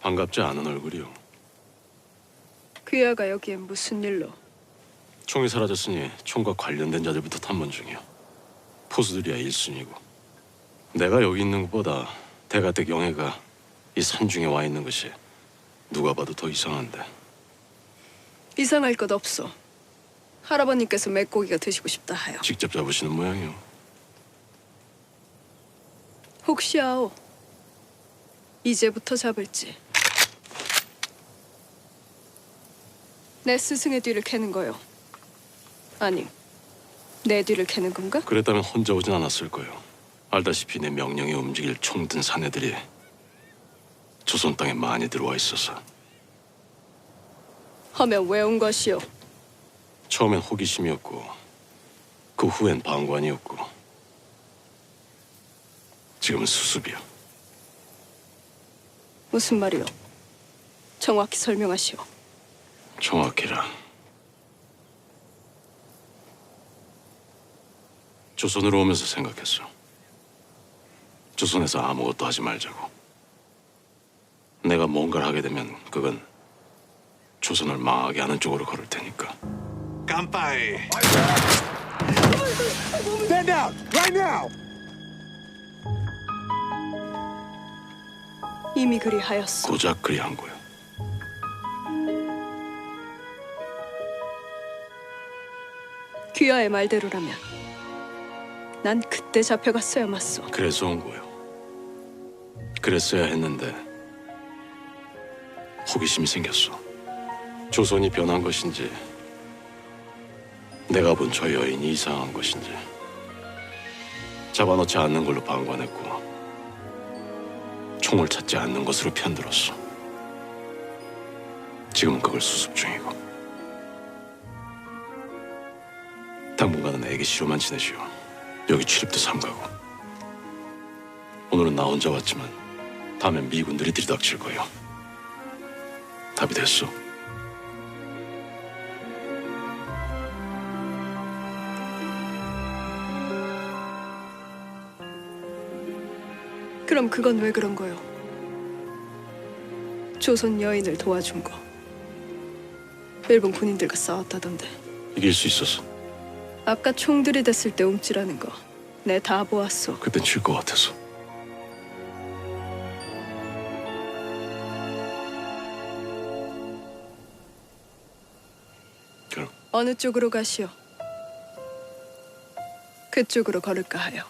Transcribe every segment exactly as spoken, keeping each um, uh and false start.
반갑지 않은 얼굴이요. 귀하가 여기엔 무슨 일로? 총이 사라졌으니 총과 관련된 자들부터 탐문 중이야. 포수들이야 일순위고. 내가 여기 있는 것보다 대가댁 영애가 이 산중에 와 있는 것이 누가 봐도 더 이상한데. 이상할 것 없어. 할아버님께서 맥고기가 드시고 싶다 하여. 직접 잡으시는 모양이요. 혹시 아오, 이제부터 잡을지. 내 스승의 뒤를 캐는 거요. 아니, 내 뒤를 캐는 건가? 그랬다면 혼자 오진 않았을 거예요. 알다시피 내 명령에 움직일 총든 사내들이 조선 땅에 많이 들어와 있어서. 하면 왜 온 것이오? 처음엔 호기심이었고 그 후엔 방관이었고 지금은 수습이야. 무슨 말이오? 정확히 설명하시오. 정확히라. 조선으로 오면서 생각했어. 조선에서 아무것도 하지 말자고. 내가 뭔가를 하게 되면 그건 조선을 망하게 하는 쪽으로 걸을 테니까. 깜빠이. Stand down right now. 이미 그리하였소. 고작 그리한 거야. 귀하의 말대로라면 난 그때 잡혀갔어야 맞소. 그래서 온 거요. 그랬어야 했는데 호기심이 생겼어. 조선이 변한 것인지 내가 본 저 여인이 이상한 것인지 잡아놓지 않는 걸로 방관했고 총을 찾지 않는 것으로 편들었어. 지금은 그걸 수습 중이고. 당분간은 애기 시로만 지내시오. 여기 출입도 삼가고. 오늘은 나 혼자 왔지만 다음엔 미군들이 들이닥칠 거예요. 답이 됐어. 그럼 그건 왜 그런 거요? 조선 여인을 도와준 거. 일본 군인들과 싸웠다던데. 이길 수 있었어. 아까 총 들이댔을 때 움찔하는 거 내 다 보았소. 그땐 질 것 같아서. 그럼 어느 쪽으로 가시오? 그쪽으로 걸을까 하여.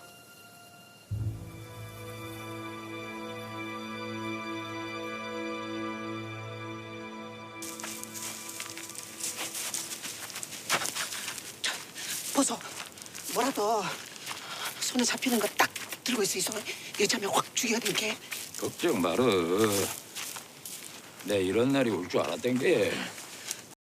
벗어. 뭐라도 손에 잡히는 거 딱 들고 있어. 있어. 여자면 확 죽여야 되게. 걱정 말어. 내 이런 날이 올 줄 알았던 게